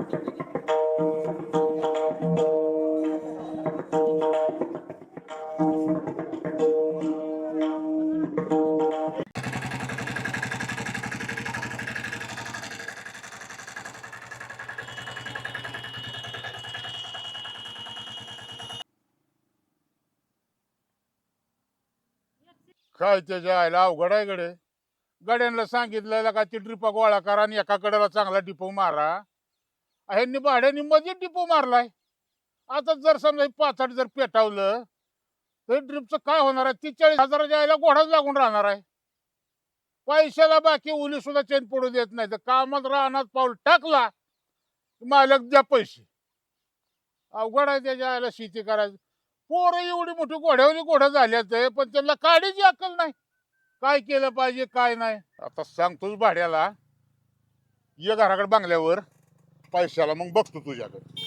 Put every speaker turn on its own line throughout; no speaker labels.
काय त्याच्या आयला अवघड आहे गडे. गड्यांना सांगितलं का ती ड्रिपा गोळा करा आणि एका कडेला चांगला डिपो मारा. ह्यांनी भाड्यानी मध्ये डिपो मारलाय. आता जर समजा पाचाट जर पेटावलं तर ड्रिपचं काय होणार आहे? 43,000च्या आयला घोडाच लागून राहणार आहे. पैशाला बाकी उली सुद्धा चेन पडू देत नाही. तर कामात राहणार पाऊल टाकला मालक द्या पैसे. अवघड आहे त्याच्या आयला शेती करायचं. पोरं एवढी मोठी घोड्यावरी घोडं झाल्याच आहे, पण त्यांना काढीची अक्कल नाही. काय केलं पाहिजे काय नाही. आता सांगतोच भाड्याला ये घराकडे बांगल्यावर पैशाला मग बघतो तुझ्याकडे.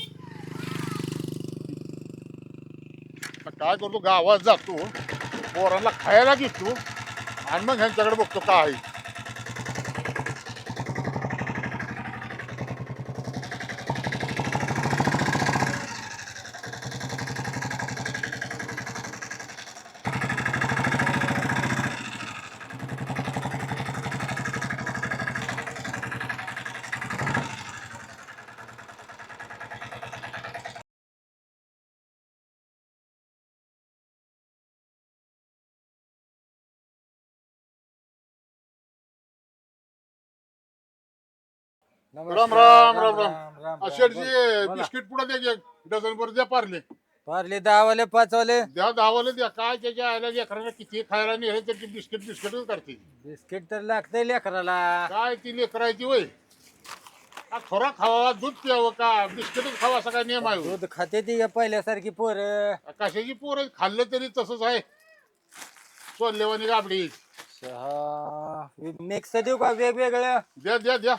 काय करतो गावात जातो पोरांना खायला घेतो आणि मग ह्यांच्याकडे बघतो काय. राम राम राम राम. शेठजी बिस्किट पुढे द्या की, डझन भर द्या पारले.
पारले 10 वाले 5 वाले
द्या धावाला द्या. काय त्याच्या आयला लेकरांना किती खायला नेले त्याची बिस्किट बिस्किटच करते.
बिस्किट तर लागतंय लेकराला.
काय ती लेकरायची वय. खरा खावा दूध प्यावं का बिस्किटच खावा असा काय नियम आहे?
दूध खाते ती का पहिल्यासारखी पोर.
कशाची पोरं खाल्लं तरी तसंच आहे. सोल्लेवानी गाबडी.
मिक्स देऊ का वेगवेगळ्या?
द्या द्या द्या.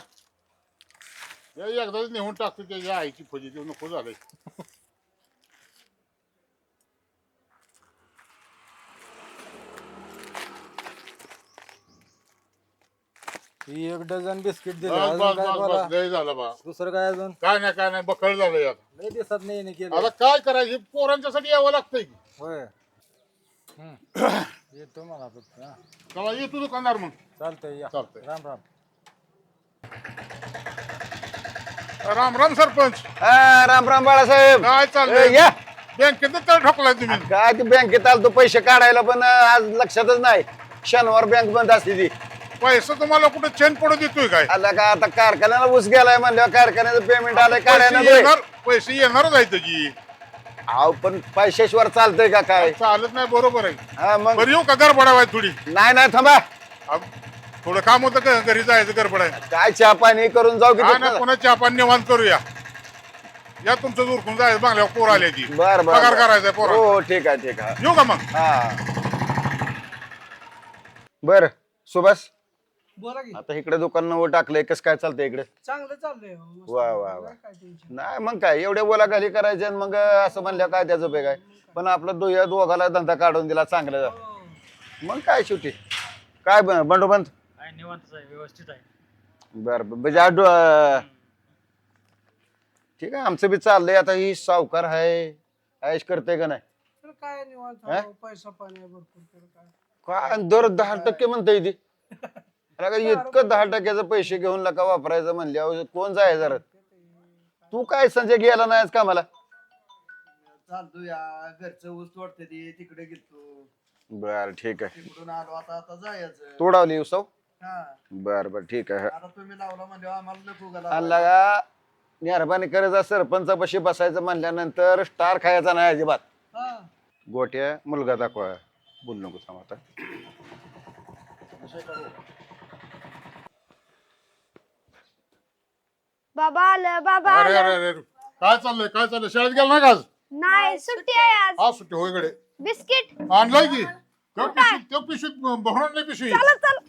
एकदाच नेऊन टाकतो त्याच्या आईची फजी देऊ नको झालंय.
एक डझन बिस्किट
बस
दिलं.
बस बस बस लय झालं बा.
दुसरं काय अजून?
काय नाही बकळ झालं यात.
लय दिसत नाही ना केलं.
आता काय करायचं पोरांच्यासाठी यावं लागतंय की.
होय. येतो मला फक्त.
तेव्हा येतो दुकानदार मग.
चालतंय या.
चालतंय.
राम राम.
राम राम सरपंच.
राम राम बाळासाहेब.
काय चाललंय?
या
बँकेत तळ ठोकलाय तुम्ही.
काय ते बँकेत आलतो पैसे काढायला पण आज लक्षातच नाही. शनिवार बँक बंद असते ती.
पैसे तुम्हाला कुठे चेन पडू देतोय काय?
आला का आता कारखान्याला ऊस गेलाय म्हणल्यावर कारखान्याचं पेमेंट आलंय
पैसे
काढायला
येणार पैसे येणारच आहेत की.
अहो पण पैशाशिवाय चालतंय का काय?
चालत नाही बरोबर आहे.
हा मग
बरं येऊ का गडबडावाय थोडी?
नाही थांबा.
अहो, थोडं काम होतं का घरी जायचं गडबड आहे.
काय चहा पाणी करून जाऊ
काय ना
की?
पुन्हा चहा पाणी निवांत करूया. या तुमचं उरकून जायचं बांगल्यावर पोर आले की.
बर
पगार
बर
करायचा पोर.
हो ठीक आहे
येऊ का मग?
हा बर सुभाष
बोला की.
आता इकडे दुकान नवं टाकलंय कसं काय चालतंय इकडे?
चांगलं चाललंय हो, मस्त.
वा वा वा.
काय टेन्शन
नाही मग काय एवढे बोलाखाली करायचे आणि मग असं म्हणलं काय त्याचं उपयोग आहे. पण आपलं दोघाला धंदा काढून दिला चांगलं.
हो.
मग काय शेवटी काय बंडोबंत
काय निवांतच आहे, व्यवस्थित आहे.
बर म्हणजे ठीक आहे आमचं बी चाललंय. आता ही सावकार आहे ऐश करते का नाही?
तर काय निवांत
हा?
हो, पैसा पाणी आहे भरपूर तर काय.
काय दर 10% म्हणता ती. इतकं 10% पैसे घेऊन लका वापरायचं म्हणल्यावर कोण जाय जरा. तू काय संजय गेला नाहीस का मला?
चालतो या घरचं ऊस तोडते ते तिकडे गेलतो.
बर ठीक आहे.
तिकडून आलो आता जायचं.
तोडावली उसव.
हा
बर बर ठीक आहे.
आता तुम्ही लावला म्हणजे आम्हाला नको का
आणला का मेहरबानी करायचा सरपंचापाशी बसायचं म्हणल्यानंतर स्टार खायचा नाही अजिबात.
हा
गोट्या मुलगा दाखवा बोल नको थांब आता.
बाबा आलं बाबा
अरे
आलं.
अरे अरे काय चाललंय शाळेत गेला नाही का आज?
नाही सुट्टी आहे आज.
आज सुट्टी होय इकडे.
बिस्किट
आणलाय की त्या पिशवीत भरून आणली पिशवी.
चल चल.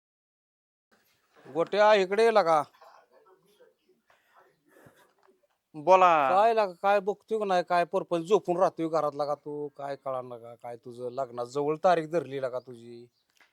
गोट्या इकडे लगा.
बोला.
काय लागा काय बघतोय का नाही काय पर्पज झोपून राहतोय घरातला का तू काय कळणार का काय तुझं लग्नात जवळ तारीख धरली का तुझी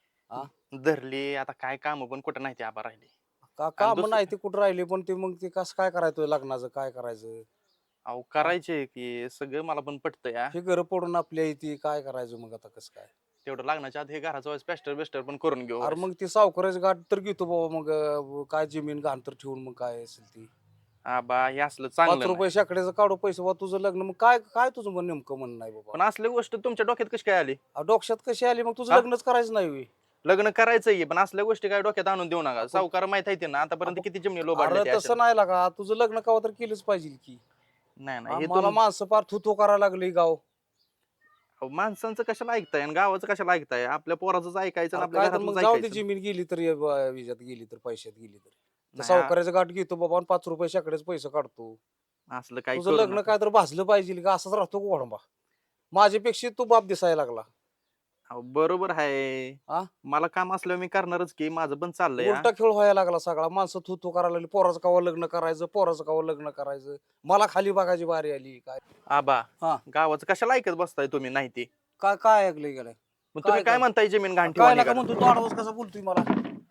धरली आता काय काम पण कुठं नाही ते आबा राहिली.
का काम
दुसरं-
नाही ते कुठं राहिले पण ते मग ते कसं काय करायचं लग्नाचं काय करायचं
अहो करायचे की सगळं मला पण पटतंय हा.
हे घर पडून आपल्या इथे काय करायचं मग आता कसं काय
तेवढं लग्नाच्या आधी हे घराचं वेळेस पेस्टर बेस्टर पण करून घेऊ.
अरे मग ती सावकाराची गाठ तर घेतो बाबा मग काय जमीन घाण तर ठेवून मग काय असेल ती
आबा हे असलं
5
चांगलं
रुपये शाकड्याचं काढू पैसे बाबा तुझं लग्न मग काय काय तुझं मग नेमकं म्हणणं नाही
नाही.
बाबा
पण असली गोष्ट तुमच्या डोक्यात कशी काय आली?
डोक्यात कशी आली मग तुझं
हा?
लग्नच करायचं नाही होय.
लग्न करायचंय पण असल्या गोष्टी काय डोक्यात आणून देऊ नका. सावकार माहित आहे ना आतापर्यंत किती जमिनी लोबाडल्या
अरे
त्या
तसं
अशा.
नाही लागा तुझं लग्न कवा तर केलंच पाहिजे की
नाही नाही हे
मला
तुम-
माणसं फार थुतो करायला लागली गाव
अहो, माणसांचं कशाला ऐकताय आणि गावाचं कशाला ऐकताय? आपल्या पोराचं ऐकायचं आणि
अरे
आपल्या
काय तर
घरातलं
मग जाऊ दे
ऐकायचं.
जमीन गेली तर विजात गेली तर पैशात गेली तर
नाही,
सावकाराचं गाठ घेतो बाबा आणि 5 रुपये शाकड्याचे पैसे काढतो
असलं काही
तुझं
करू
लग्न
नका.
काय तर भासलं पाहिजे का असंच राहतो का वडंबा माझ्यापेक्षा तू बाप दिसायला लागला
अहो, बरोबर आहे.
हा?
मला काम असल्यावर मी करणारच की माझं पण चाललंय हा.
उलटा खेळ व्हायला लागला सगळा माणसं थू करायला लागली पोराचं कावा लग्न करायचं पोराचं कावा लग्न करायचं मला खाली बघायची बारी आली काय
आबा
हा.
गावाचं कशाला ऐकत बसताय तुम्ही? नाही ते
काय काय ऐकलंय गेलाय
मग तुम्ही
काय-
काय म्हणताय जमीन घाण
काय
ठेवा
नका
निघा?
म्हणतो तू आडवस कसा बोलतोय मला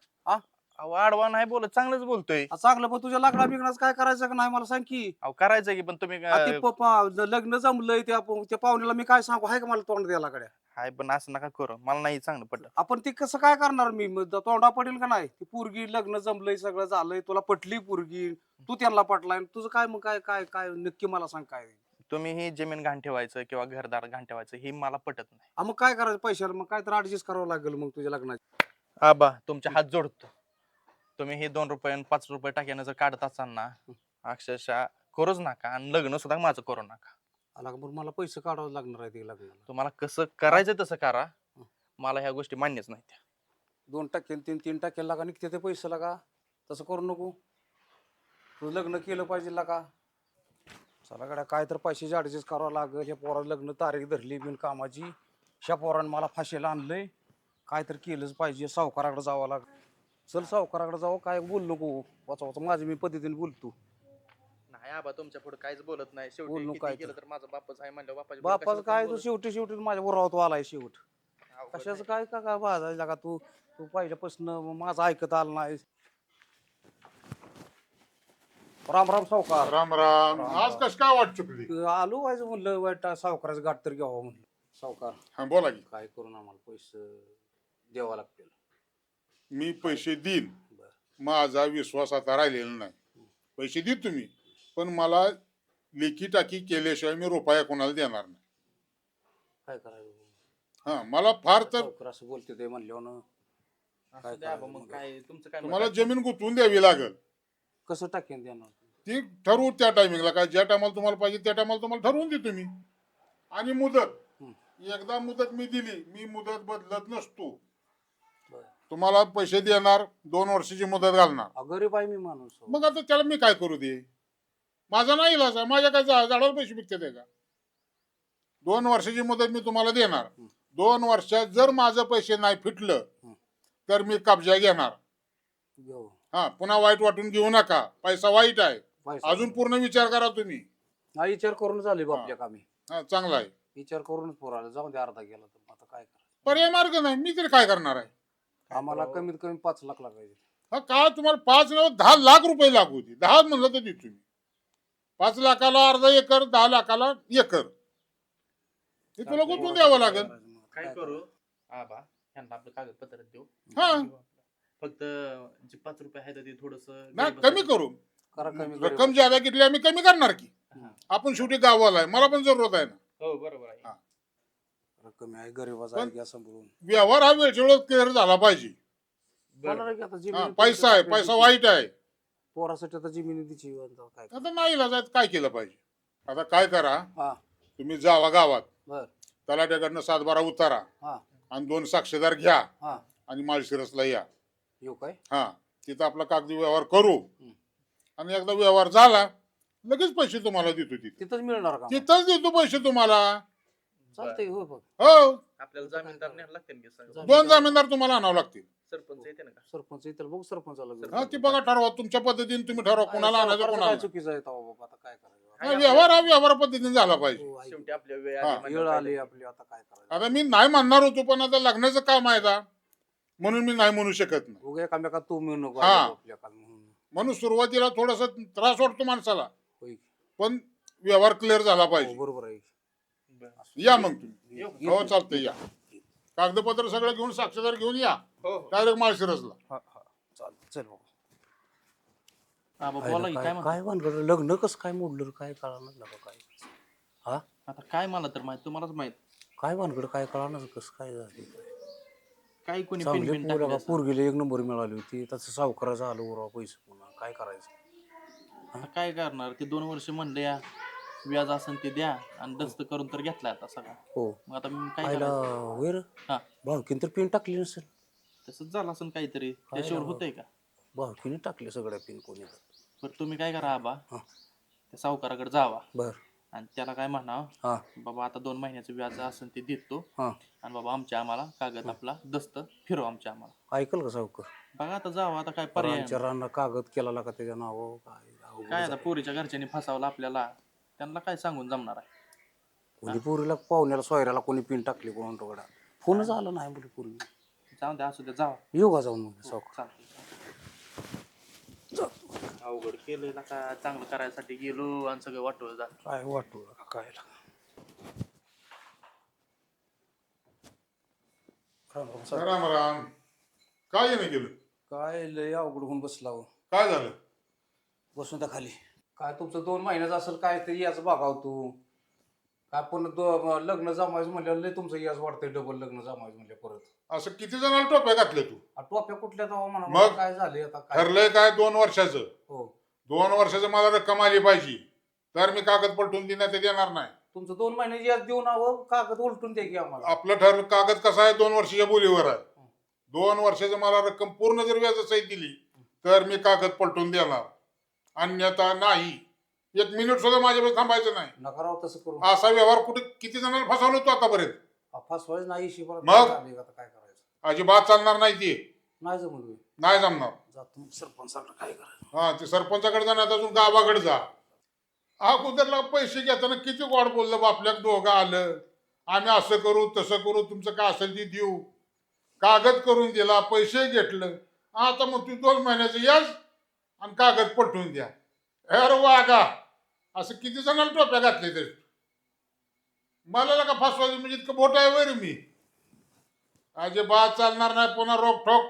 अहो आडवा नाही बोलत, चांगलंच बोलतोय.
चांगलं पण तुझ्या लग्ना बिग्नाच काय करायचं का नाही मला सांग की
अहो करायचं की पण तुम्ही
ते लग्न जमलंय त्या पाहुण्याला मी काय सांगू हाय का मला तोंड द्यायला कडे
हाय पण असं नका करू, मला नाही चांगलं पटत.
आपण ते कसं काय करणार मी मग तोंडा पडेल का नाही ती पोरगी लग्न जमलंय सगळं झालंय तुला पटली पोरगी तू त्यांना पटलाय तुझं काय मग काय काय काय नक्की मला सांग काय
तुम्ही ही जमीन घाण ठेवायचं किंवा घरदार घाण ठेवायचं हे मला पटत नाही.
मग काय करायचं पैशाला मग काय तर ऍडजस्ट करावं लागेल मग तुझ्या लग्नाची
आबा तुमचे हात जोडतो. तुम्ही हे 2 रुपये आणि 5 रुपये टाक्यानं जर काढत असाल ना अक्षरशः करूच नका आणि लग्न सुद्धा माझं करू नका.
आला का बरं मला पैसे काढावं लागणार आहे ते लग्नाला
तुम्हाला कसं करायचं तसं करा, मला ह्या गोष्टी मान्यच नाही त्या.
2% 3% लागा निघते ते पैसे लागा तसं करू नको तू लग्न केलं पाहिजे लागा चला गड्या काय तर पैशाची ऍडजस्ट करावं लागेल ह्या पोराचं लग्न तारीख धरली बिन कामाची ह्या पोरानं मला फाशीला आणलंय काय तर केलंच पाहिजे सावकाराकडे जावं लागेल चल सावकाराकडे जावं काय बोल नको वाचा वाचा माझ्या मी पद्धतीने बोलतो
नाही आबा तुमच्या पुढे काहीच बोलत नाही.
बोल
शेवटी
नु
किती
काय
केलं तर माझा बापच आहे म्हणलं
बापाचं काय तू शेवटी माझ्या बरोबर आलाय शेवट कशाचं काय का काय वाजायला का तू तू पहिल्यापासून माझं ऐकत आलं नाही राम राम सावकार
राम राम. आज कस काय वाट चुकली?
आलो व्हायचं म्हणलं वाईट सावकाराचं गाठ तर घ्यावं म्हणलं सावकार
हा बोला की.
काय करून आम्हाला पैसे द्यावा लागतील
मी पैसे देईन,
बरं.
माझा विश्वास आता राहिलेला नाही. पैसे देत तुम्ही पण मला लेखी टाकी केल्याशिवाय मी रुपया कोणाला देणार नाही.
काय करायचं
हा मला फार तर
सावकार असं बोलते ते म्हणल्यावर काय करायचं
मग
मग?
काय तुमचं काय
तुम्हाला जमीन गुंतवून द्यावी लागेल.
कसं टाकेन देणार
ती ठरवू त्या टायमिंगला काय ज्या टायमाला तुम्हाला पाहिजे त्या टायमाला तुम्हाला ठरवून देतो मी. आणि मुदत एकदा मुदत मी दिली, मी मुदत बदलत नसतो.
बरं.
तुम्हाला पैसे देणार, 2 वर्षाची मुदत घालणार.
गरीब आहे मी माणूस
मग आता त्याला मी काय करू दे? माझा नाही इलाज आहे. माझ्या काय झाडावर पैसे विकते ते का? 2 वर्षाची मुदत मी तुम्हाला देणार. 2 वर्षात जर माझं पैसे नाही फिटलं तर मी कब्जा घेणार.
घेऊ
हा पुन्हा वाईट वाटून घेऊ नका. पैसा वाईट आहे.
पैसा.
अजून पूर्ण विचार करा तुम्ही.
हा विचार करूनच आले बापल्या कामी
हा चांगला आहे.
विचार करूनच पोराला जाऊन दे अर्धा गेला तर आता काय करायचं
पर्याय मार्ग नाही. मी तरी काय करणार आहे?
आम्हाला कमीत कमी 5 लाख लागायचे
हा का तुम्हाला 5 नव्हे 10 लाख रुपये लागू होती. 10 म्हणलं तर देतो मी. 5 लाखाला अर्धा एकर, 10 लाखाला एकर. हे तुला गुंतवून द्यावं लागेल.
काय करू आबा ह्यांना आपलं कागदपत्र देऊ.
हा.
फक्त जे 5 रुपये आहेत ते थोडस
नाही कमी करू.
करा कमी
रक्कम ज्यादा घेतली आम्ही कमी करणार की. आपण शेवटी गावाला आहे. मला पण जरूरत आहे ना.
हो बरोबर आहे.
हा.
कमी आहे गरीबाचा आहे घ्या सांभाळून
व्यवहार हा वेळच्या वेळेस क्लिअर झाला पाहिजे.
होणार की आता
हा,
जमीन
पैसा आहे, पैसा वाईट आहे.
पोरासाठी आता जमिनी दिची काय
आता नाही इलाज काय केलं पाहिजे? आता काय करा,
हा
तुम्ही जावा गावात,
बर
तलाट्याकडनं 7-12 उतारा
हा
आणि 2 साक्षीदार घ्या
हा
आणि माळशिरसला या.
येऊ काय
हा तिथं आपला कागदी व्यवहार करू आणि एकदा व्यवहार झाला लगेच पैसे तुम्हाला देतो. तिथे
तिथंच मिळणार का
तिथंच देतो पैसे तुम्हाला.
चालतंय हो बघ
हो
आपल्याला जामीनदार न्यायला लागतील की सगळं?
2 जामीनदार तुम्हाला आणावं लागतील.
सरपंच येते ना का?
सरपंच इथं बघ सरपंचाला घेऊन.
हा ती बघा ठरवा तुमच्या पद्धतीने तुम्ही ठरवा कोणाला आणायचं
सरकारचं काय
कोणाला.
चुकीचं आहे तेव्हा बाबा आता काय करायचं
नाही, व्यवहार हा व्यवहार पद्धतीने झाला पाहिजे.
हो, ऐक.
शेवटी आपल्या वेळ
हा.
आली म्हणजे
वेळ
काय
आली
ते-
आपली, आता काय करायचं.
आता मी नाही म्हणणार होतो, पण आता लग्नाचं काम आहे का म्हणून मी नाही म्हणू शकत नाही.
उगा एकामेका तू मिळू नको
हा.
आपल्या काल म्हणून.
म्हणून सुरुवातीला थोडासा त्रास वाटतो माणसाला,
होय.
पण व्यवहार क्लिअर झाला
हो,
पाहिजे.
बरोबर आहे.
या मग तुम्ही.
येऊ.
हो चालतंय, या. कागदपत्र सगळं घेऊन साक्षीदार घेऊन या
हो, हो.
डायरेक्ट माळशिरसला.
हा हा चालेल, चल बाबा.
हा, बाबा, बोला की, काय म्हणता?
काय भानगड लग्न कसं काय मोडलं काय कळणार लागा काय. हा
आता काय मला तर माहित, तुम्हालाच माहित.
काय भानगड काय कळणार कसं काय झालं.
काही कोणी पिन
चांगले
पिन टाकले
पोरगा
असेल.
पोरगीला 1 नंबर मिळाली होती, त्याचं सावकाराचं आलं उरवा पैसे पुन्हा काय करायचं.
आता काय करणार ते 2 वर्ष म्हणले या व्याज असेल ते द्या आणि दस्त करून तर घेतलाय आता सगळा.
हो
मग आता मी काय
आयला
करायचं?
वेर
हा.
भावकीन तर पिन टाकली नसेल.
तसंच झालं असेल काहीतरी, त्याच्यावर होतंय का?
भावकीने टाकले सगळ्या पिन कोणी तर.
बरं तुम्ही काय करा आबा,
हा.
त्या सावकाराकडे जावा
बर
आणि त्याला काय म्हणावं,
हा
बाबा आता 2 महिन्याचं व्याज असेल ते देतो
हा
आणि बाबा आम्हाला कागद आपला दस्त फिरव आम्हाला.
ऐकल का सावकर.
बघा आता जावा, आता काय पर्याय
रानच्या
नाही.
रानला कागद केला का त्याच्या नावावर काय अवघड
काय आता
झालं.
पोरीच्या घरच्यांनी फसावलं आपल्याला, त्यांना काय सांगून जमणार आहे.
कोणी पोरीला पाहुण्याला सोयऱ्याला कोणी पिन टाकली कोण टोकडा फोनच आला नाही मुली पूर्वी.
जाऊन द्या, असू द्या, जावा.
येऊ का जाऊन मग सावकर.
चालतंय. अवघड केलंय ना का, चांगलं करायसाठी गेलो आणि सगळं वाटवलं झालं.
काय वाटू का काय लागा. राम राम सावकार.
राम राम. काय येणं गेलं?
काय लय अवघड होऊन बसला हो.
काय झालं?
बसून त्या खाली. काय तुमचं 2 महिन्याचं असेल काय तरी याच बघाव तू. काय पण लग्न जमायचं म्हणल्यावर लय तुमचं याच वाढतंय, डबल लग्न जमायचं म्हणलं परत.
असं किती जणांना टोप्या घातल्या तू?
टोप्या कुठल्या तेव्हा म्हणा
मग?
काय झाले आता काय.
ठरलंय काय 2 वर्षाचं?
हो
2 वर्षाचं मला रक्कम आली पाहिजे, तर मी कागद पलटून देण्यात देणार नाही.
तुमचं 2 महिने याच देऊन हवं कागद उलटून द्या की आम्हाला.
आपलं ठरलं कागद कसा आहे, 2 वर्षाच्या बोलीवर आहे. 2 वर्षाचं मला रक्कम पूर्ण जर व्याजासहित दिली तर मी कागद पलटून देणार, अन्यथा नाही. 1 मिनिट सुद्धा माझ्याकडे थांबायचं नाही.
नका राव तसं करू.
असा व्यवहार कुठे किती जणांना फसवलो तू आतापर्यंत?
फसवायच नाही शिवाय
मग?
आता काय करायचं.
अजिबात चालणार नाही ती.
नाही जमलं.
नाही जमणार.
जातो सरपंचाकडे काय करायचं.
हा, ते सरपंचाकडे जा, नाही अजून गावाकडे जा. अगोदरला पैसे घेताना किती गोड बोललं, बापल्या दोघं आलं, आम्ही असं करू तसं करू, तुमचं काय असेल ते देऊ. कागद करून दिला, पैसे घेतलं. आता मग तू 2 महिन्याचं याच आणि कागद पटवून द्या. अरे वागा, असं किती जणांना टोप्या घातले तरी मला का फसवायचं म्हणजे इतकं मोठं आहे वैर मी. अजिबात चालणार नाही. पुन्हा रोखोक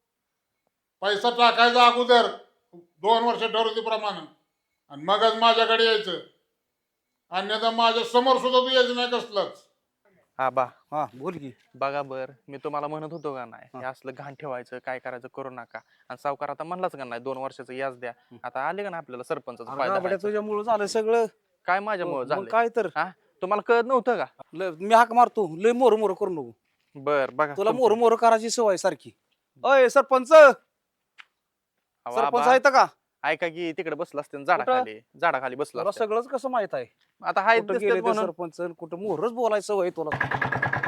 पैसा टाकायचा अगोदर 2 वर्ष ठरवतेप्रमाणे आणि मगच माझ्याकडे यायचं, अन्यथा माझ्या समोर सुद्धा तू यायचं नाही कसलंच.
आबा
हा बोल की.
बघा बर, मी तुम्हाला म्हणत होतो का नाही, हे असलं घाण ठेवायचं, काय करायचं करू नका. आणि सावकार आता म्हणलाच का नाही 2 वर्षाचं याच द्या. आता आले का ना आपल्याला सरपंचाचा फायदा व्हायचा.
तुझ्यामुळे झालं सगळं.
काय माझ्यामुळे
मग
झालं
काय तर.
हा, तुम्हाला कळत नव्हतं का?
मी हाक मारतो लय मोर मोर करू नको.
बर बघा
तुला
तुमचं.
मोर मोर करायची सवय सारखी. अय सरपंच
अहो,
सरपंच
आबा,
आहेत का.
ऐका की तिकडे बसला असते झाडाखाली बसला
तुला
असते.
सगळंच कसं माहित आहे.
आता हाय
कुठं
दिसतेत
गेले ते
म्हणून.
सरपंच कुठं मोरच बोलायचं सवय तुला.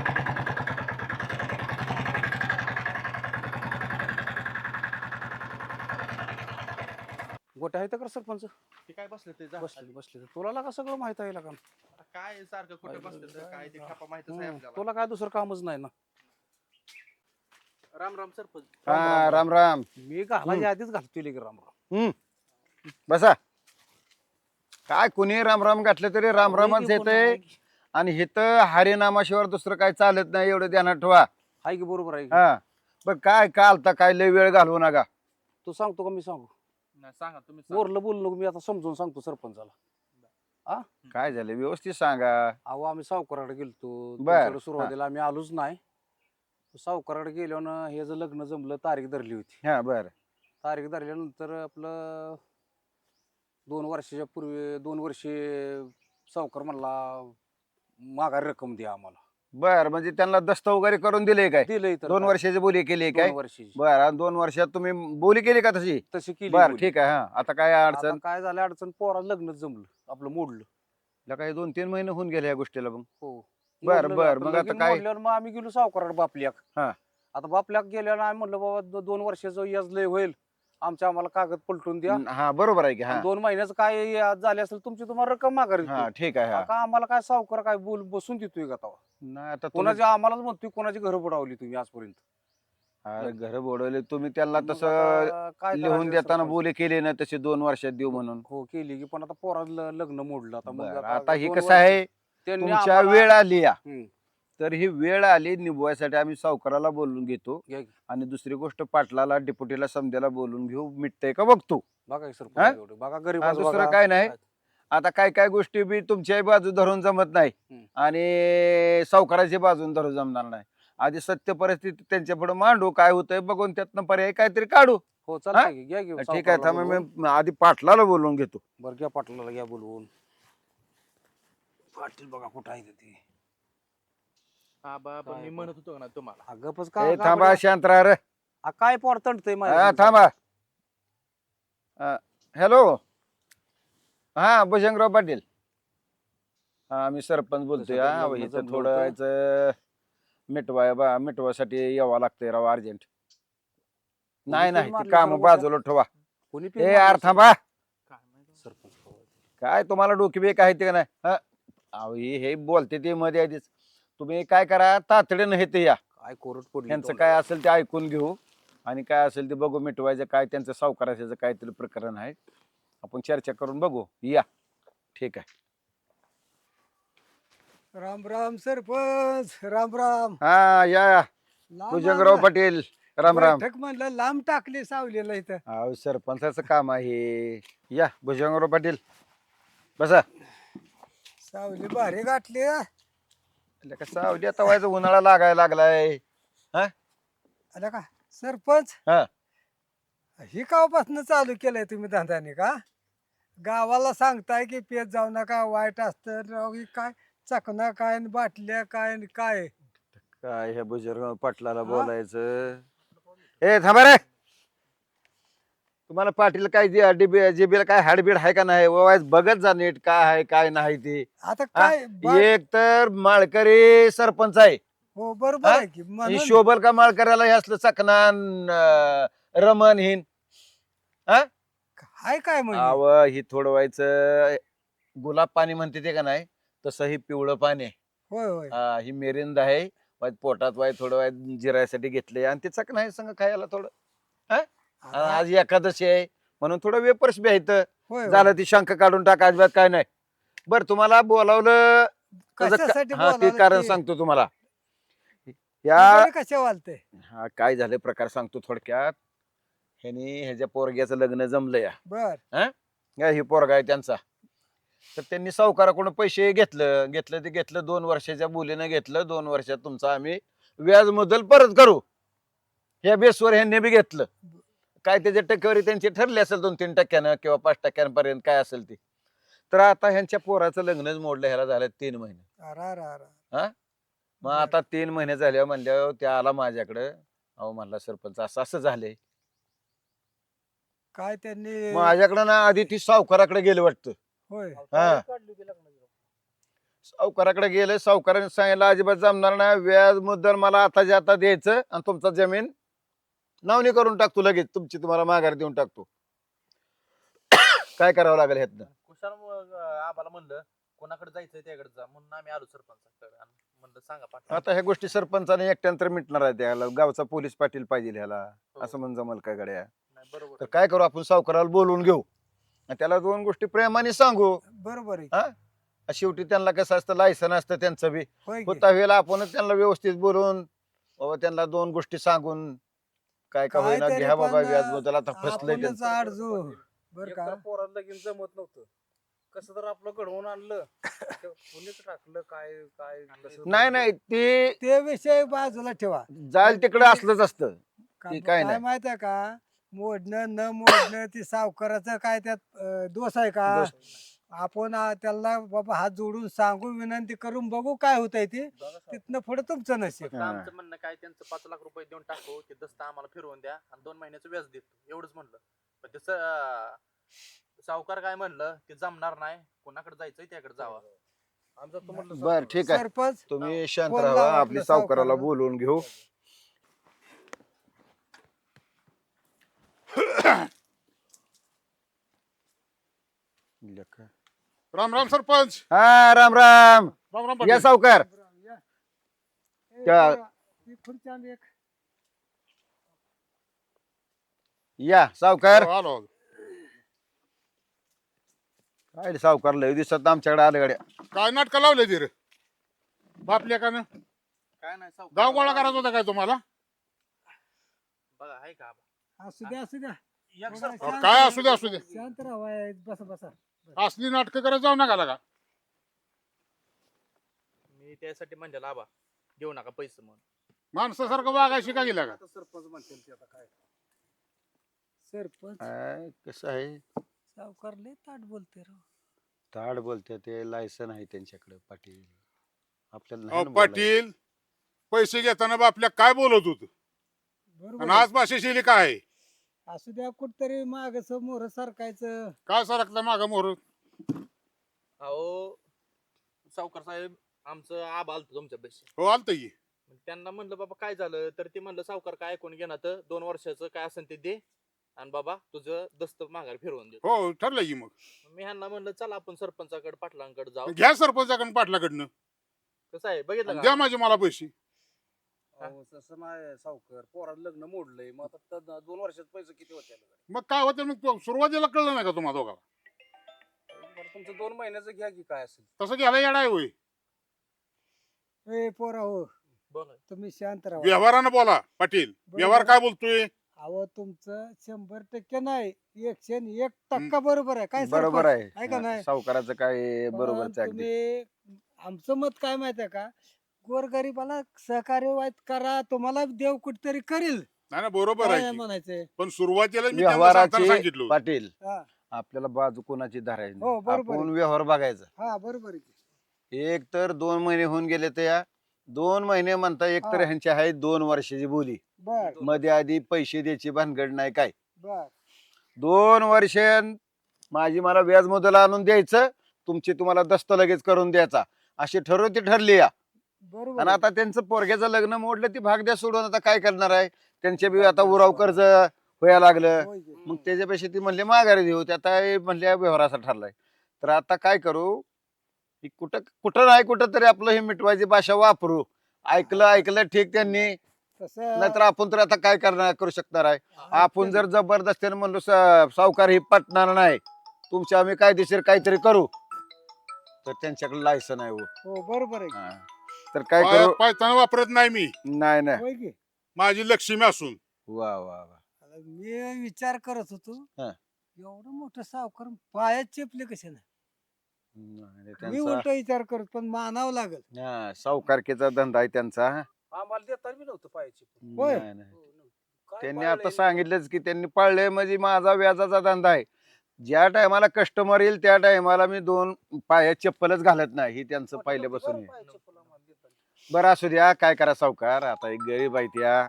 गोट्या आहेत का सरपंच.
ते काय बसले ते
बसले बसले तुला लागा सगळं माहित आहे का.
काय सारखं कुठे बसले तर काय ते खापा माहितच आहे आपल्याला.
तुला काय दुसरं कामच नाही ना.
राम राम सरपंच.
हा राम राम.
मी घालायच्या आधीच घालतोय की राम राम.
बसा. काय कुणी राम राम घातलं तरी राम रामच येतंय. आणि हिथं हरिनामाशिवाय दुसरं काय चालत नाही, एवढं ध्यानात ठेवा.
आहे की बरोबर आहे की?
हा बरं काय कालता काय लय वेळ घालवू नका.
तू सांगतो का मी सांगू.
नाही, सांगा तुम्ही सांगा.
मोरलं बोलू नको. मी आता समजून सांगतो सरपंचाला.
काय झालं व्यवस्थित सांगा.
अहो आम्ही सावकाराकडे गेलतो.
बर.
तुमच्याकडे सुरुवातीला आम्ही आलोच नाही. सावकाराकडे गेलो ना, हे जर लग्न जमलं तारीख धरली होती.
हा बर.
तारीख धरल्यानंतर आपलं 2 वर्षाच्या पूर्वी 2 वर्षे सावकार म्हणला माघारी रक्कम द्या आम्हाला.
बर म्हणजे त्यांना दस्त वगैरे करून दिले काय?
दिलंय तर
2 वर्षाची बोली केली
2
काय?
वर्षाची
बर आणि 2 वर्षात तुम्ही बोली केली का तशी?
तशी केली.
बर
बोली.
ठीक आहे. हा आता काय
आता
अडचण?
काय झालं अडचण, पोरा लग्नच जमलं आपलं मोडलं.
काही 2-3 महिने होऊन गेले या गोष्टीला मग.
हो
बर,
मोडलं.
बर.
आता
मग आता
लगीन
काय?
मोडल्यावर मग आम्ही गेलो सावकाराकडे बापल्याक.
हा.
आता बापल्याक गेल्यावर आम्ही म्हणलं बाबा 2 वर्षाचं याच लय होईल,
आमच्या आम्हाला कागद पलटून द्या
हा बरोबर आहे की हा
आणि 2 महिन्याचं काय झाले असेल तुमची तुम्हाला रक्कम माघारी
हा
देतो.
ठीक आहे हा
का आम्हाला काय सावकार काय बोल बसून देतोय का तेव्हा?
नाही आता तुम्ही
कोणाची आम्हालाच म्हणतोय कोणाची घरं बुडवली तुम्ही आजपर्यंत.
अरे घर बोडवले तुम्ही त्यांना
मग
तसं
आता काय
लिहून
करायचं
देताना
सरपंच?
बोले केले ना तसे 2 वर्षात देऊ म्हणून
हो केली की पण आता पोराला लग्न मोडलं आता मग
बरं, आता हे
2
कसं
वर्ष
आहे
त्यांनी
तुमच्या
आम्हाला-
वेळ आली या
हम्म,
तर ही वेळ आली निभवायसाठी आम्ही सावकाराला बोलून घेतो
घ्या की.
आणि दुसरी गोष्ट पाटलाला डेप्युटीला समध्याला बोलून घेऊ मिटतंय का बघतो
बघा की
हा?
सरपंच एवढं. बघा
हा,
गरीब
दुसरं काय नाही आता काय काय गोष्टी बी तुमच्याही बाजू धरून जमत नाही
हम्म.
आणि सावकाराची बाजून धरून जमणार नाही आधी सत्य परिस्थिती त्यांच्या पुढे मांडू काय होतंय बघून त्यातनं पर्याय काहीतरी काढू
हो चालतंय की, घ्या की
ठीक आहे
सावकाराला
थांबा
बोलवून.
मी आधी पाटलाला बोलून घेतो
बरं घ्या पाटलाला घ्या बोलवून. पाटील बघा कुठं आहे ते.
आबा पण मी म्हणत होतो ना तुम्हाला
अगं पच
ए, थांबा शांत राहा रे
काय पोर तंटतंय
हा,
माझ्या
थांबा हॅलो हा भुजंगराव पाटील हा मी सरपंच बोलतोय
तसं
हा
लग्न
इथं
जमलं
थोडं
होतं.
यायचं मिटवासाठी यावं लागतंय राव अर्जंट नाही नाही ते काम बाजूला ठेवा
कोणी
ए यार थांबा
सरपंच
काय तुम्हाला डोकी बी काय ते का नाही हा अहो, हे बोलते ते मध्ये आधीच तुम्ही काय करा तातडीनं हे ते या
काय कोरड पडली
त्यांचं
तोंडाला.
काय असेल ते ऐकून घेऊ आणि काय असेल ते बघू मिटवायचं काय त्यांचं सावकाराचं काहीतरी प्रकरण आहे आपण चर्चा करून बघू या ठीक आहे
राम राम सरपंच राम राम
हा या
लांब
भुजंगराव
आला.
पाटील राम राम
बैठक म्हणलं लांब टाकली सावलीला इथं
अहो सरपंचाचं काम आहे या भुजंगराव पाटील बसा
सावली भारी गाठली हा.
का सावली आता व्हायचं उन्हाळा लागायला लागलाय
आला का सरपंच
हा.
ही कावापासून चालू केलंय तुम्ही धंद्याने का गावाला सांगताय की पेत जाऊ नका वाईट असतं राव ही काय चकना काय न बाटल्या काय न काय
काय ह्या भुजंगराव पाटलाला
हा?
बोलायचं ए थांबा रे तुम्हाला पाटील काय जिबीला काय हाडबीड आहे का नाही वाईज बघत जा नीट काय आहे काय नाही ते
आता काय
एक तर माळकरी सरपंच आहे
हो बरोबर
हा?
आहे की
ही
म्हणून
शोभल का माळकऱ्याला हे असलं चकनान रमन हिन
हाय काय म्हणजे
आव ही थोडं व्हायचं गुलाब पाणी म्हणते ते का नाही तसं ही पिवळं पाणी आहे
होय होय
ही मेरिंद आहे पोटात वाय थोडं वाय जिरायसाठी घेतले आणि ते चकना आहे संग खायला थोडं आणि
आता-
आज एकादशी आहे म्हणून थोडं वेपर्स बी आहेत
होय
झालं ती शंख काढून टाका अजिबात काय नाही बर तुम्हाला बोलावलं त्याचं
कशासाठी
हा ते
बोलावलं
कारण
ते?
सांगतो तुम्हाला या
कशा वालते
हा काय झाले प्रकार सांगतो थोडक्यात ह्यानी ह्याच्या पोरग्याचं लग्न जमलं या
बर
ही पोरगा आहे त्यांचा तर त्यांनी सावकाराकडून पैसे घेतलं 2 वर्षाच्या बोलीनं घेतलं 2 वर्षात तुमचं आम्ही व्याज मुद्दल परत करू ह्या बेसवर ह्यांनी बी घेतलं काय त्याच्या टक्केवारी त्यांची ठरली असेल 2-3 टक्क्यानं किंवा 5 टक्क्यांपर्यंत काय असेल ते तर आता ह्यांच्या पोराचं लग्नच मोडलं ह्याला झालं 3 महिने
अरा
मग आता 3 महिने झाल्यावर म्हणल्यावर त्या आला माझ्याकडं अहो म्हणला सरपंच असं झालंय
काय त्यांनी
माझ्याकडं ना आधी ती सावकाराकडे गेलं वाटतं
होय
हा सावकाराकडे गेले सावकाराने सांगितलं अजिबात जमणार नाही व्याज मुद्दल मला आताच्या आता द्यायचं आणि तुमचा जमीन नावनी करून टाकतो लगेच तुमची तुम्हाला माघार देऊन टाकतो काय करावं लागेल ह्यातनं
कुशाल आम्हाला म्हणलं कोणाकडे जायचंय त्याकडे जा म्हणून आम्ही आलो सरपंचाकडे आणि म्हणलं सांगा पाटील
आता ह्या गोष्टी सरपंचाने एकट्यानंतर मिटणार आहे त्याला गावचा पोलीस पाटील पाहिजे ह्याला असं म्हणून जमल काय गड्या
नाही, बरोबर
तर काय करू आपण सावकाराला बोलवून घेऊ आणि त्याला 2 गोष्टी प्रेमाने सांगू
बरोबर आहे
हा शेवटी त्यांना कसं असतं लायसन असतं त्यांचं बी
होय की?
होता वेळेला आपणच त्यांना व्यवस्थित बोलून बाबा त्यांना 2 गोष्टी सांगून काय का होईना
काहीतरी
घ्या बाबा
पण
व्याज मुद्दल आता फसलंय
आपणच
त्यांचं.
आडजू बर
एकतर
का
पोराला लगीन जमत नव्हतं कसं तर आपलं घडवून आणलं ते कोणीच टाकलं काय काय कसं
नाही ते
ते विषय बाजूला ठेवा
जाईल तिकडे असलंच असतं ते काय
काय
नाही.
माहित आहे का मोडणं न मोडणं ती सावकाराचं काय त्यात दोष आहे का
दोष.
आपण त्याला बाबा हात जोडून सांगू विनंती करून बघू काय होतंय ते तिथनं पुढे तुमचं नशीब
फक्त आमचं म्हणणं काय त्यांचं 5 लाख रुपये देऊन टाकू ते दस्त आम्हाला फिरवून द्या आणि 2 महिन्याचं व्याज देतो एवढंच म्हणलं पण त्याचं सावकार काय म्हणलं ते जमणार नाही कोणाकडे जायचंय त्याकडे जावा
आमचं तर म्हटलं
बर ठीक आहे
सरपंच
तुम्ही शांत
फोन
राहा
लावा
आपली
आपल्या
सावकाराला
सावकाराला.
बोलवून घेऊ
राम राम सरपंच.
हा राम राम.
राम राम
या
पाटील.
सावकार. त्या-
खुर्ची आण एक.
या सावकार.
हो, आलो आलो.
काय रे सावकार लय दिसत आमच्याकडे आलं गाड्या.
काय नाटकं लावले ती रे बापल्या का
काय नाही सावकार
गाव गोळा करायचा होता काय तुम्हाला?
बघा आहे का आबा?
असू द्या असू द्या
एक
बघा,
सरपंच-
शांत
काय
राहा.
असू दे असू दे.
शांत राहा बसा बसा.
असली नाटकं करत जाऊ नका का?
मी त्यासाठी म्हणलेलं आबा देऊ नका पैसे म्हणून.
माणसासारखं वागायची का गेला का?
आता सरपंच म्हणतील ते आता काय.
सरपंच
काय कसं आहे
सावकार लय ताट बोलते राव.
ताड बोलते ते लायसन आहे त्यांच्याकडे पाटील. आपल्याला
अहो
नाही ना बोलायचं.
पाटील पैसे घेताना बापल्या काय बोलत होत
बरोबर
आणि
आहे.
आज भाषा शैली काय आहे?
असू द्या कुठतरी माग समोर सारखायचं.
काय सरकला माग मोर?
अहो सावकार साहेब आमचं आबा आलतो तुमच्या पैसे.
हो आलत की.
त्यांना म्हणलं बाबा काय झालं तर ते म्हणलं सावकार काय ऐकून घेणार तर 2 वर्षाचं काय असेल ते दे आणि बाबा तुझं दस्त माघार फिरवून दे.
हो ठरलं की. मग
मी ह्यांना म्हणलं चला आपण सरपंचाकडे पाटलांकडे जाऊ.
घ्या सरपंचाकडून पाटलाकडनं
कसं आहे बघितलं
आणि
का?
द्या माझे मला पैसे.
अहो, तसं नाही सावकार पोराला लग्न मोडलंय मग आता 2 वर्षात पैसे किती होते
मग काय होतं मग सुरुवातीला कळलं नाही का तुम्हाला दोघाला?
तुमचं 2 महिन्याचं घ्या की काय असेल.
तसं घ्यायला येडा आहे होय.
ए पोरा हो
बोला.
तुम्ही शांत राहा.
व्यवहारानं बोला पाटील. व्यवहार काय बोलतोय?
अहो तुमचं 100% नाही 101% बरोबर आहे. काय
बरोबर
सरपंच?
आहे.
आहे का नाही?
सावकाराचं काय बरोबर
पण
अगदी.
तुम्ही आमचं मत काय माहिती आहे का गोरगरीबाला सहकार्य वाईट करा तुम्हाला देव कुठतरी करील.
नाही ना बरोबर
काय
आहे की.
म्हणायचंय.
पण सुरुवातीला मी त्यांना सांगताना
व्यवहाराची
सांगितलं होतं.
पाटील
हा
आपल्याला बाजू कोणाची धरायची
हो,
नाही.
बरोबर
आपण
आहे.
व्यवहार बघायचा.
हा बरोबर आहे की.
एक तर 2 महिने होऊन गेले तर या 2 महिने म्हणता एक तर
हा.
ह्यांची आहे 2 वर्षाची बोली.
बर
मध्ये आधी पैसे द्यायची भानगड नाही काय.
बर
2 वर्ष माझी मला व्याज मुदल आणून द्यायचं तुमची तुम्हाला दस्त लगेच करून द्यायचा अशी ठरवती ठरली या.
बरोबर
आणि
आहे.
आता त्यांचं पोरग्याचं लग्न मोडलं ती भाग द्या सोडून आता काय करणार आहे त्यांचे बी आता उराव कर्ज व्हायला लागलं.
होय की.
मग त्याच्यापेक्षा ती म्हणले माघारी देऊ ते आता हे म्हणले व्यवहाराचा ठरलाय. तर आता काय करू की कुठं कुठं नाही कुठं तरी आपलं हे मिटवायची भाषा वापरू. ऐकलं ठीक त्यांनी
तसं
नाहीतर आपण तर आता काय करू शकणार आहे. आपण जर जबरदस्तीने म्हणलो सावकार ही पटणार नाही तुमच्या आम्ही कायदेशीर काहीतरी करू तर त्यांच्याकडे लायसन आहे हो.
हो बरोबर आहे की.
हा. तर काय करू
पायताना वापरत नाही मी.
नाही नाही
होय की.
माझी लक्ष्मी असून.
वा वा वा
आता मी विचार करत होतो
हा.
एवढं मोठं सावकार पायात चेपले कसे नाही.
नाही,
मी
त्यांचा
उलट विचार करत पण मानावं लागल.
हा, सावकारकीचा धंदा आहे त्यांचा.
आम्हाला देता बी नव्हतं पायाची.
होय.
नाही, नाही.
काय
त्यांनी
पाळलंय?
आता सांगितलंच की त्यांनी पाळले म्हणजे माझा व्याजाचा धंदा आहे. ज्या टायमाला कस्टमर येईल त्या टायमाला मी 2 पायात चप्पलच घालत नाही ही त्यांचं पहिल्यापासून आहे.
पायाची चप्पल आम्हाला देता.
बरं असू द्या काय करा सावकार आता एक गरीब आहे त्या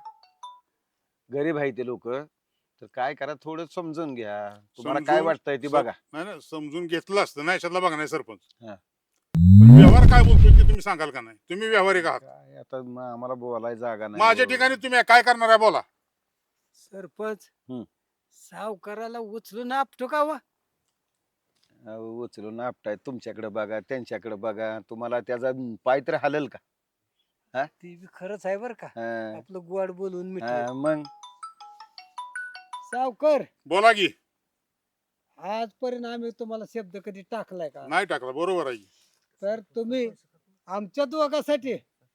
गरीब आहे ते लोक तर काय करा थोडं समजून घ्या तुम्हाला काय
समजून-
वाटतंय ती बघा.
नाही ना समजून घेतलं असतं ना याच्यातला बघा नाही सरपंच.
हा.
पण व्यवहार काय बोलतोय ते तुम्ही सांगाल का नाही? तुम्ही व्यवहारिक आहात.
काय आता आम्हाला बोलायला जागा नाही.
माझ्या ठिकाणी तुम्ही काय करणार आहे बोला.
सरपंच
हम्म.
सावकाराला उचलून आपटो का वा.
अहो, उचलून आपटाय तुमच्याकडे बघा त्यांच्याकडे बघा तुम्हाला त्याचा पाय तर हलल का.
ती बी खरंच आहे बर का.
हा,
आपलं गोड बोलून मिठ
हा, मग
सावकर
बोला की.
आजपर्यंत आम्ही तुम्हाला शब्द कधी टाकलाय का.
नाही टाकला बरोबर आहे.
तर तुम्ही आमच्या दोघांसाठी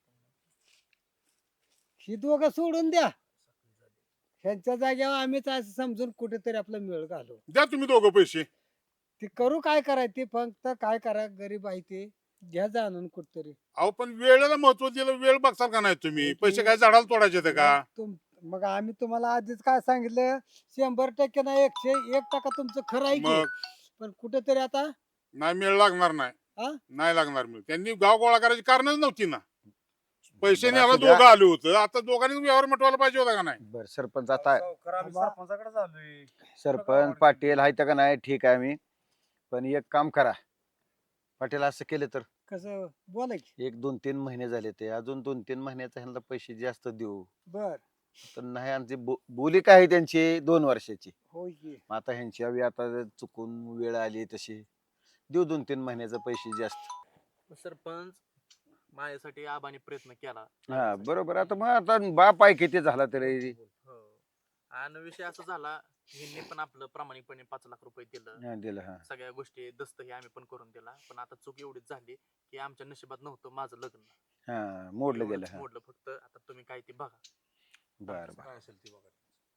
ही दोघं सोडून द्या ह्यांच्या जागेवर आम्हीच असं समजून कुठेतरी आपला मेळ घालू.
द्या तुम्ही दोघं पैसे.
ते करू काय करायचं ते फक्त काय करा गरीब आहे ते घ्या जाणून कुठतरी.
अहो पण वेळेला महत्व दिलं. वेळ बघसाल का नाही तुम्ही? पैसे काय झाडाला तोडायचे ते का?
मग आम्ही तुम्हाला आधीच काय सांगितलं 100% ना 101% तुमचं खरं आहे की.
मग
पण कुठेतरी आता
नाही मेळ लागणार नाही.
हा?
नाही लागणार मेळ. त्यांनी गाव गोळा करायची कारणच नव्हती ना. पैसे
बरं,
न्यायला
असू द्या.
दोघं आले होतं. आता दोघांनी व्यवहार मिटवायला पाहिजे होता का नाही?
बर सरपंच आता
सावकार आम्ही
बाबा.
सरपंचाकडे झालोय.
सरपंच पाटील आहे का नाही ठीक आहे मी पण एक काम करा पाटील असं केलं तर
कसं बोला की.
1-2-3 महिने झाले ते अजून 2-3 महिन्याचा ह्यांना पैसे जास्त देऊ
बर
तर नाही आमची बोली काय आहे त्यांची 2 वर्षाची.
होय की.
मग आता ह्यांची हवी आता चुकून वेळ आली तशी देऊ 2-3 महिन्याचे पैसे जास्त.
सरपंच माझ्यासाठी आबाने प्रयत्न केला.
हा बरोबर. आता मग आता बाप आहे किती झाला तरी.
हो. आणि विषय असा झाला, ह्यांनी पण आपलं प्रामाणिकपणे 5 लाख रुपये दिलं.
हा, दिलं हा.
सगळ्या गोष्टी दस्त हे आम्ही पण करून दिला. पण आता चूक एवढीच झाली की आमच्या नशिबात नव्हतं माझं लग्न.
हा मोडलं गेलं.
एवढंच
हा
मोडलं फक्त. आता तुम्ही काय ते बघा.
बर बर
काय असेल ते बघा.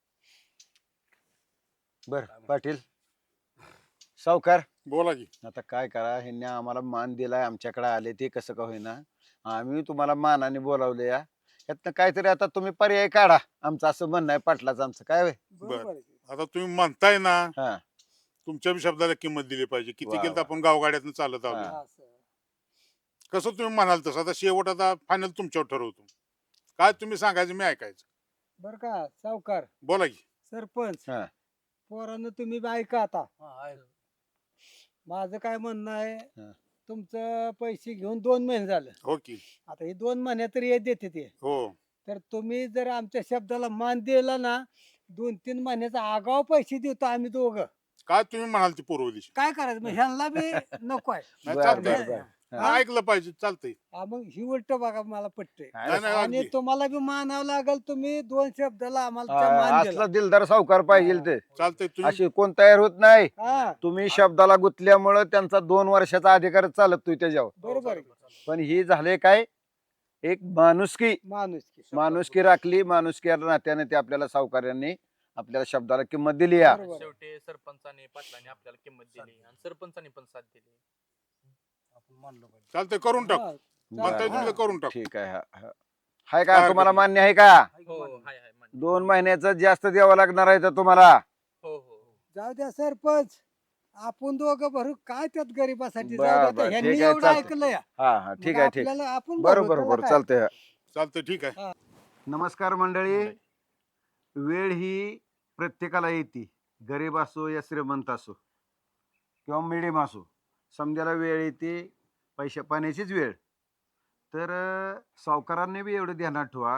बर. पाटील सावकार,
बोला की.
आता काय करा, ह्यांनी आम्हाला मान दिलाय, आमच्याकडे आले ते कसं का होईना, आम्ही तुम्हाला मानाने बोलावले या. यातनं काहीतरी आता तुम्ही पर्याय काढा. आमचं असं म्हणणं आहे पाटलाचं, आमचं काय होय.
बरोबर आहे की.
आता तुम्ही म्हणताय ना,
हा
तुमच्या बी शब्दाला किंमत दिली पाहिजे. किती
वा,
केलं तर
वा.
आपण गावगाड्यातनं चालत आलो.
हा.
असं.
कसं तुम्ही म्हणाल तसं. आता शेवट आता फायनल तुमच्यावर ठरवतो. काय तुम्ही सांगायचं मी ऐकायचं.
बर का सावकार,
बोला की.
सरपंच,
हा.
पोरांनो तुम्ही बी ऐका आता.
हा, आहे.
माझं काय म्हणणं आहे,
हा.
तुमचं पैसे घेऊन 2 महिने झालं.
हो की.
आता हे 2 महिने तरी हे देते ते.
हो.
तर तुम्ही जर आमच्या शब्दाला मान दिला ना, 2-3 महिन्याचा आगाव पैसे देतो आम्ही दोघं.
काय तुम्ही म्हणाल ती पूर्व दिशा.
काय करायचं मग ह्यांना बी नको आहे.
नाही,
बर
चालतंय.
बर बर.
हा, ऐकलं पाहिजे. चालतंय.
मग ही उलट बघा मला पटते.
नाही, नाही,
आणि
अगदी.
तुम्हाला बी मानावं लागेल. तुम्ही 2 शब्दाला आम्हाला त्या मान दिला.
असला दिलदार सावकार पाहिजे ते.
चालतंय. तुम्ही
अशी कोण तयार होत नाही.
हा
तुम्ही शब्दाला गुंतल्यामुळं त्यांचा 2 वर्षाचा अधिकार चालत तो त्याच्यावर.
बरोबर आहे.
पण ही झाले काय, एक माणुसकी
माणूस
राखली. माणुसकी नात्याने ते आपल्याला सावकारांनी आपल्याला शब्दाला किंमत दिली या.
बरोबर.
शेवटी सरपंचाने पाटलाने आपल्याला किंमत दिली आणि सरपंचाने पण साथ दिली.
आपण मानलं पाहिजे.
चालतंय. करून टाकू. म्हणताय तुम्ही तर करून टाकू.
ठीक आहे. हाय का
काय
तुम्हाला
हरकत
मान्य आहे का?
हो हाय हाय मान्य.
2 महिन्याचं जास्त द्यावं लागणार आहे तर तुम्हाला.
हो हो.
जाऊ द्या सरपंच, आपण दोघं भरू काय त्यात गरीबासाठी.
बर,
जाऊ द्या
बर,
आता. ह्यांनी
ठीक आहे,
एवढं
चालतंय.
ऐकलं या.
हा हा ठीक
मग
आहे. ठीक.
आपल्याला आपण
बरोबर
भरू,
बरोबर
त्याला काय?
चालतंय.
चालतंय. ठीक आहे.
नमस्कार मंडळी. वेळ ही प्रत्येकाला येते. गरीब असो या श्रीमंत असो किंवा मिडियम असो, समजायला वेळ येते. पैशा पाण्याचीच वेळ. तर सावकारांनी बी एवढं ध्यानात ठेवा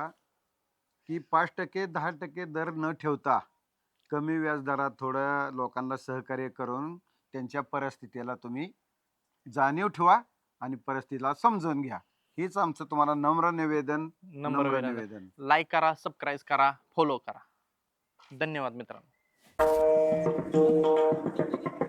की 5% 10% दर न ठेवता कमी व्याजदरात थोडं लोकांना सहकार्य करून त्यांच्या परिस्थितीला तुम्ही जाणीव ठेवा आणि परिस्थितीला समजून घ्या. हीच आमचं तुम्हाला नम्र निवेदन.
नंबर
निवेदन.
लाईक करा, सबस्क्राईब करा, फॉलो करा. धन्यवाद मित्रांनो.